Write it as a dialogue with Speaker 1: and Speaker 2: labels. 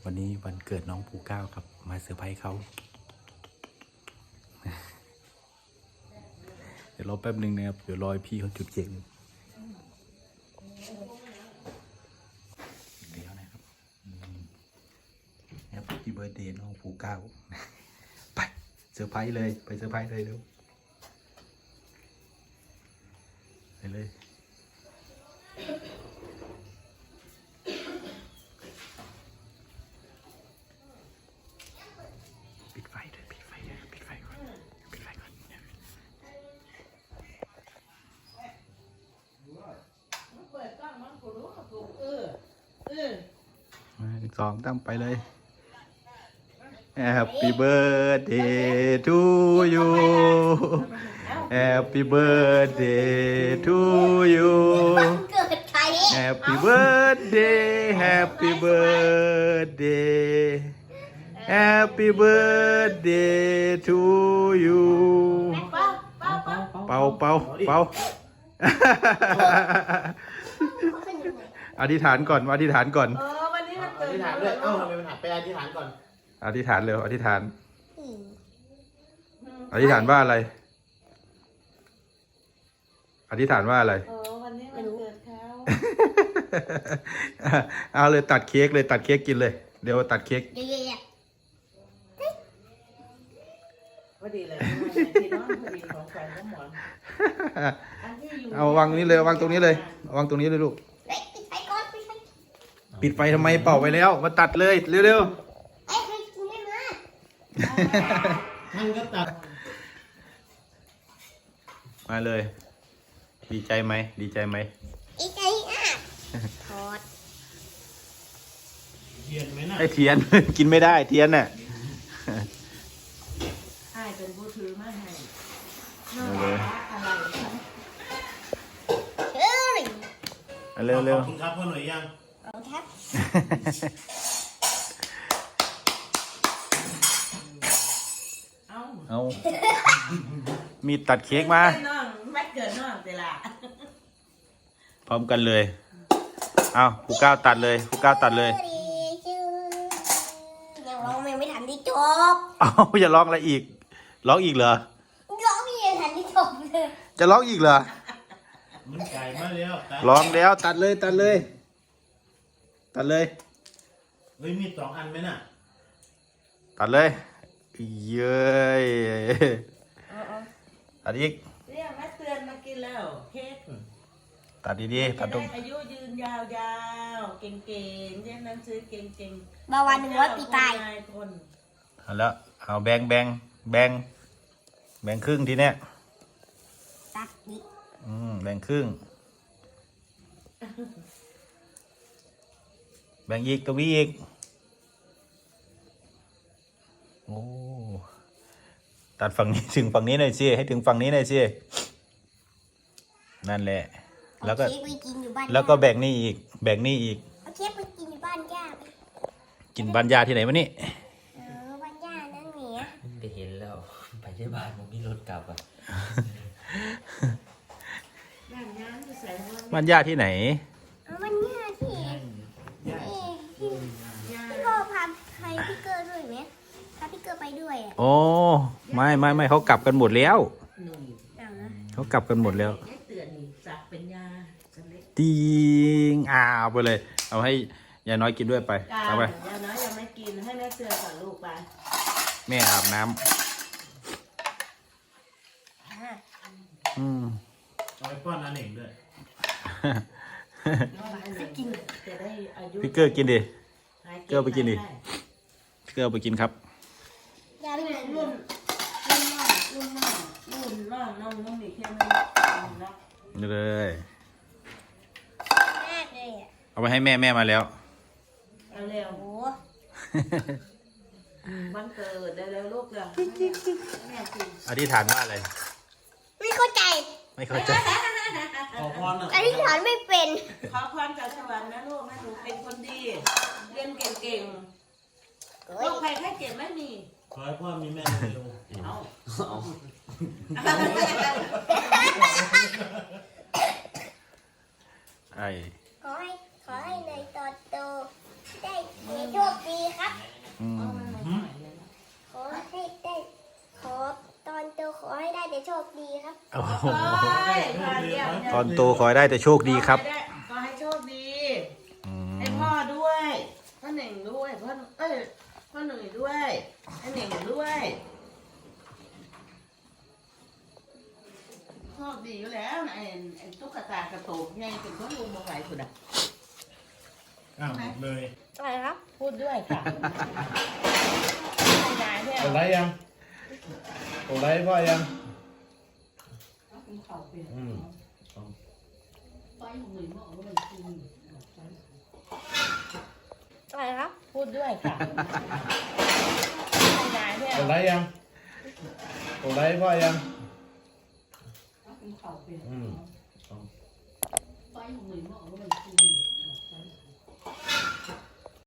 Speaker 1: วันนี้วันเกิดน้องภูเก้าครับมาเซอร์ไพรส์เขาเดี๋ยวรอแป๊บนึงนะครับเดี๋ยวรอพี่เขาจุดเค้กเดี๋ยวนะครับแฮปปี้เบิร์ธเดย์น้องภูเก้าไปเซอร์ไพรส์เลยไปเซอร์ไพรส์เลยเร็วไปเลยปิดไฟด้วยปิดไฟด้วยปิดไฟก่อนปิดไฟก่อน
Speaker 2: เปิดกล้องมันกูรู้ถูก
Speaker 1: สองตั้งไปเลย Happy birthday to you Happy birthday to you
Speaker 3: เกิดใคร
Speaker 1: Happy birthday Happy birthday Happy birthday to you เป่าเป่าเป่าอธิษฐานก่อนอธิษฐานก่อน
Speaker 2: วันนี้มันเกิ
Speaker 4: อ
Speaker 2: ด
Speaker 4: ธิษฐานด้วยเอ้าทำไมมันหักไปอธิษฐานก่อน
Speaker 1: อธิษฐานเร็วอธิษฐานอธิษฐานว่าอะไรอธิษฐานว่าอะไร
Speaker 2: วันนี้มันเกิดเขา
Speaker 1: เอาเลยตัดเค้กเลยตัดเค้กกินเลยเดี๋ยวตัดเค้ก
Speaker 3: เย่
Speaker 2: พอดีเลยที่น้องพอดีของแฟนน้องหมอน
Speaker 1: เอาวางตรงนี้เลยวางตรงนี้เลยวางตรงนี้เลยลูก
Speaker 3: ๆปิดไฟก่อนปิดไฟ
Speaker 1: ปิดไฟทำไมเป่าไปแล้วมาตัดเลยเร็ว
Speaker 3: ไอ้ใครกูไม่มา
Speaker 4: มันก็ตัด
Speaker 1: ๆมาเลยดีใจไหมดีใจไหม
Speaker 3: อีใจอ่ะถอด
Speaker 4: เทียนไหมน่ะ
Speaker 1: ไอเทียน กินไม่ได้เทียนน่ะ
Speaker 2: ให้เป็นผู้ถือมาให้
Speaker 1: เอาเลย
Speaker 2: อะไร
Speaker 3: เฮ้ย
Speaker 1: เอาเร็วเร็ว
Speaker 4: ขอบคุณครับพ่อหน่อยยัง
Speaker 3: เอาครับ
Speaker 2: เอา
Speaker 1: เอามีตัดเค้กมา
Speaker 2: น้องไม่เกิดน้องเวลา
Speaker 1: พร้อมกันเลยเอาผู้ก้าวตัดเลยผู้ก้าวตัดเลย
Speaker 3: ยังร้องไม่ทันที่จบ
Speaker 1: เอาอย่าร้องอะไรอีกร้องอีกเหรอ
Speaker 3: ร้องไม่ทันที่จบเลย
Speaker 1: จะร้องอีกเหรอ
Speaker 4: มันไก่มาแล้วตัด
Speaker 1: ร้องแล้วตัดเลยตัดเลยตัดเลย
Speaker 4: เฮ้ยมี2 อันไหมน่ะ
Speaker 1: ตัดเลยเย้ยตัดอีก
Speaker 2: เรียกแม่เตือนมากินแล้วเค้ก
Speaker 1: ตัดดีๆตั
Speaker 2: จะ
Speaker 1: ดตร
Speaker 2: ได้
Speaker 1: ง
Speaker 2: อายุยืนยาวๆเก่งๆเรียนหนังสือเก่งๆ
Speaker 3: บาวัน100 ปีตาย
Speaker 2: คน
Speaker 1: เอาแล้วเอาแบ่งครึ่งทีเนี้ย
Speaker 3: ตัดดิ
Speaker 1: แบ่งครึ่งแบ่งอีกตรงนี้อีกโอ้ตัดฝั่งนี้ถึงฝั่งนี้หน่อยสิให้ถึงฝั่งนี้หน่อยสินั่นแหละแล้วก็
Speaker 3: เอาเค้กไปกินอยู่บ้าน
Speaker 1: แล้วก็แบ่งนี่อีกแบ่งนี่อีก
Speaker 3: เอาเค้กไปกินอยู่บ้านย่าไป
Speaker 1: กินบ้านยาที่ไหนวะนี่
Speaker 3: บ้านย่านั่นเหนีย
Speaker 5: ไปเห็นแล้ว ไปที่บ้านผมมีรถกลับอ่ะ
Speaker 2: บ้านน้ำจะใส่ว่า
Speaker 1: บ้านยาที่ไหน
Speaker 3: เอาบ้านย่าที่พี่พ่อพาใครพี่เกอร์ด้วยไหมพาพี่เกอร์ไปด้วยอ่ะ
Speaker 1: โอ้ไม่เขากลับกันหมดแล้ว
Speaker 2: หนุ่ม
Speaker 3: เอานะ
Speaker 1: เขากลับกันหมดแล้ว
Speaker 2: ให้เตือนสักเป็นยาสเล็ก
Speaker 1: ติงเอาไปเลย เอาให้ยายน้อยกินด้วยไป
Speaker 2: กา
Speaker 1: เอาไป
Speaker 2: ยาน้อยยังไม่กินให้แม่เตือนก่อนลูกไป
Speaker 1: แม่อาบน้ำ
Speaker 3: อ่า
Speaker 4: เอาไปป้อนอันเองด้วย
Speaker 2: กินจะได้อายุ
Speaker 1: พี่เกอร์กินดิ เกอร์ไปกินดิ พี่เกอร์เอาไปกินครับ
Speaker 3: ย่าไปกิน
Speaker 2: รุ่นน้องมีแค่นั้นนะ
Speaker 1: นี่เลย
Speaker 3: แรกเลยอ่ะ
Speaker 1: เอาไปให้แม่มาแล้ว
Speaker 2: เอาเร็ว
Speaker 3: โอ้
Speaker 2: วันเกิดได้แล้วลูกเลยแม่กิน
Speaker 1: อธิษฐานว่าอะไร
Speaker 3: ไม่เข้าใจ
Speaker 1: ไม่เข้าใจ
Speaker 4: ขอพรน่ะ
Speaker 3: อธิษฐานไม่เป็น
Speaker 2: ขอพรจากสวรรค์นะลูกให้หนูเป็นคนดี เรียนเก่งๆโรคภัยไข้เจ็บไม่มี
Speaker 4: ขอให้พ่อมีแม่เร็ว
Speaker 2: เอา
Speaker 1: ไอ้
Speaker 3: ขอให้ในตอนโตได้มีโชคดีครับ
Speaker 1: โอ้โห
Speaker 2: ต
Speaker 1: ตอนโตขอให้ได้แต่โชคดีครับ
Speaker 2: ก็ให้โชคดี
Speaker 1: อื
Speaker 2: ให้
Speaker 1: ม
Speaker 2: พ่อด้วยพ่อเหน่งด้วยพ่อหนุ่ยด้วยให้เหน่งด้วยโชคดีอยู่แล้วนะไอ้ตุ๊กตากระโตกไงเป็นคนลุงมาไหวสุดอ่ะ
Speaker 4: อ้าวหมดเลย
Speaker 3: อะไรครับ
Speaker 2: พูดด้วยค่ะยายเนี่ย
Speaker 4: กดไลค์ยังกดไลค์พ่อยังอืม
Speaker 3: อะไรครับ
Speaker 2: พูดด้วยค่ะยายเนี่ย
Speaker 4: กดไลค์ยังกดไลค์พ่อยังอืม